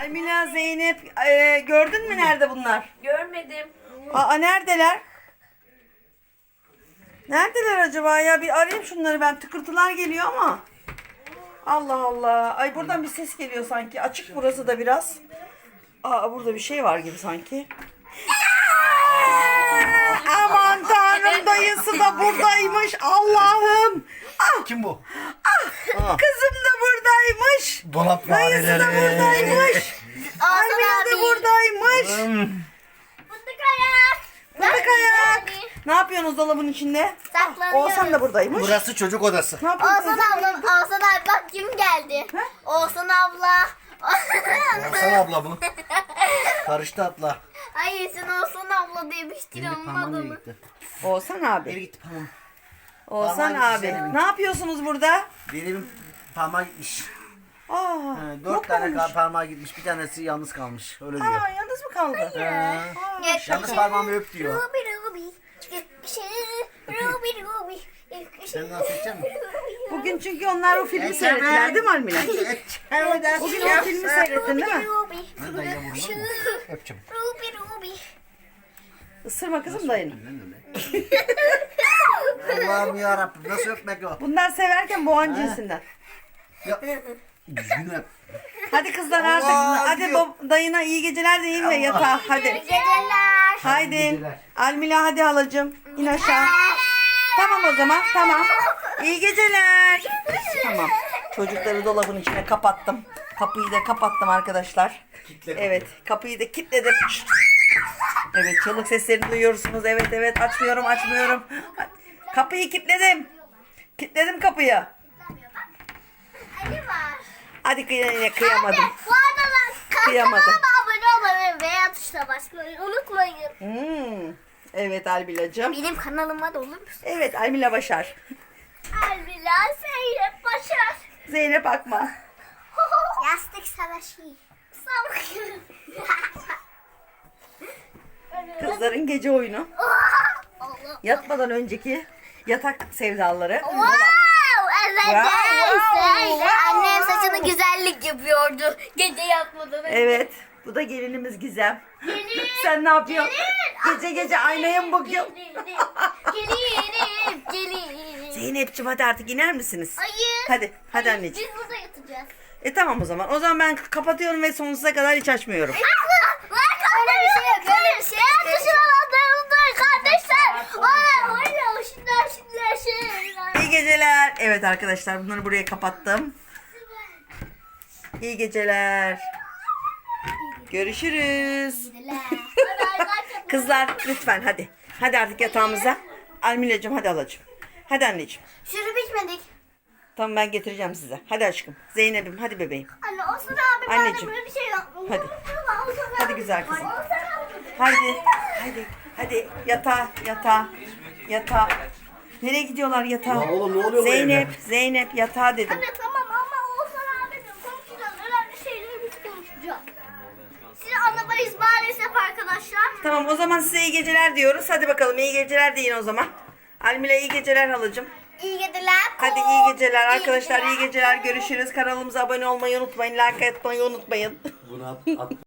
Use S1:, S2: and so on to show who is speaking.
S1: Emine, Zeynep, gördün mü nerede bunlar?
S2: Görmedim.
S1: Aa, neredeler? Neredeler acaba ya? Bir arayayım şunları ben. Tıkırtılar geliyor ama. Allah Allah. Ay buradan bir ses geliyor sanki. Açık burası da biraz. Aa, burada bir şey var gibi sanki. Aman tanrım, dayısı da buradaymış. Allah'ım. Ah,
S3: Kim bu?
S1: kızım da buradaymış.
S3: Dolap
S1: Dayısı da buradaymış. Emine de buradaymış.
S4: Fındık ayak.
S1: Fındık ayak. Ne yapıyorsunuz dolabın içinde?
S4: Saklanıyoruz.
S1: Oğuzhan da buradaymış.
S3: Burası çocuk odası.
S1: Ne yapıyorsunuz?
S4: Oğuzhan abi bak kim geldi. Oğuzhan abla.
S3: Hasan abla mı? Karıştı atla.
S4: Hayır sen Oğuzhan abla demiştin onun adını.
S3: gitti.
S1: Oğuzhan
S3: Geri
S1: abi.
S3: gitti parmağım.
S1: Oğuzhan
S3: Parmağı
S1: abi.
S3: gitti.
S1: Ne yapıyorsunuz burada?
S3: Benim parmağı gitmiş.
S1: Aa,
S3: Dört
S1: yok
S3: tane
S1: olmuş.
S3: parmağı gitmiş. Bir tanesi yalnız kalmış. Öyle diyor.
S1: Aa, yalnız mı kaldı?
S3: Yalnız parmağımı öp diyor.
S4: Ruby Ruby. Ruby Ruby.
S3: Sen nasıl edeceksin mi?
S1: Bugün çünkü onlar o filmi seyrettiler değil mi Almila? Bugün o filmi seyrettin değil mi?
S4: Ruby.
S3: Ben dayıya vurmam mı? Öpeceğim.
S4: Ruby Ruby.
S1: Isırma kızım dayını.
S3: Allah'ım yarabbim nasıl öpmek o?
S1: Bunlar severken boğan cinsinden.
S3: Ya, düzgün öp.
S1: Hadi kızlar artık.
S3: Allah,
S1: Hadi
S3: gidiyor.
S1: dayına iyi geceler deyin ve yatağa. Hadi.
S4: Geceler.
S1: Haydi.
S3: geceler.
S1: Almila hadi halacığım. İn aşağı. Tamam o zaman. Tamam. İyi geceler. Tamam. Çocukları dolabın içine kapattım. Kapıyı da kapattım arkadaşlar.
S3: Kitle
S1: Evet. Kapıyı da kilitledim. Evet. Çığlık seslerini duyuyorsunuz. Evet evet. Açmıyorum. Kapıyı kilitledim. Kilitledim kapıyı.
S4: Ali var.
S1: Hadi yine kıyamadım.
S4: Bu arada
S1: Kıyamadım.
S4: kanalıma abone olmayı veya tuşuna basmayı unutmayın.
S1: Evet Almila'cığım.
S4: Benim kanalıma da olur musun?
S1: Evet Almila Başar.
S4: Elbila Zeynep Başar.
S1: Zeynep Akman.
S4: Yastık savaşı.
S1: Kızların gece oyunu.
S4: Allah.
S1: Yatmadan önceki yatak sevdaları.
S4: Wow, evet.
S1: Wow.
S4: Annem saçını güzellik yapıyordu. Gece yatmadan önce.
S1: Evet. Bu da gelinimiz Gizem.
S4: Gelin.
S1: Sen ne yapıyorsun? Gece aynaya mı bakıyorsun?
S4: Gelin.
S1: Zeynep'ciğim hadi artık iner misiniz?
S4: Hayır.
S1: Hadi anneciğim.
S4: Biz burada yatacağız.
S1: Tamam o zaman. O zaman ben kapatıyorum ve sonsuza kadar hiç açmıyorum.
S4: Öyle bir şey yok. Öyle bir şey yok. Dışarılarında kardeşler. Öyle şimdi.
S1: İyi geceler. Evet arkadaşlar bunları buraya kapattım. İyi geceler. Görüşürüz. Kızlar lütfen hadi. Hadi artık yatağımıza. Almila'cığım hadi alacığım. Hadi anneciğim.
S4: Şurup içmedik.
S1: Tamam ben getireceğim size. Hadi aşkım. Zeynep'im hadi bebeğim.
S4: Anne o sıra abi
S1: Anneciğim.
S4: böyle bir şey yok.
S1: Hadi. Hadi güzel kızım. Hadi yatağa. Nereye gidiyorlar yatağa?
S3: Ya oğlum, ne oluyor bu
S1: Zeynep yatağa dedim.
S4: Anne tamam ama o sıra abi konuşacağız. Önemli şeyleri biz konuşacağız. Size anlamayız maalesef arkadaşlar.
S1: Tamam o zaman size iyi geceler diyoruz. Hadi bakalım iyi geceler deyin o zaman. Almila iyi geceler halacığım.
S4: İyi geceler.
S1: Hadi iyi geceler arkadaşlar, iyi geceler. Görüşürüz. Kanalımıza abone olmayı unutmayın. Like atmayı unutmayın.
S3: Bunu at.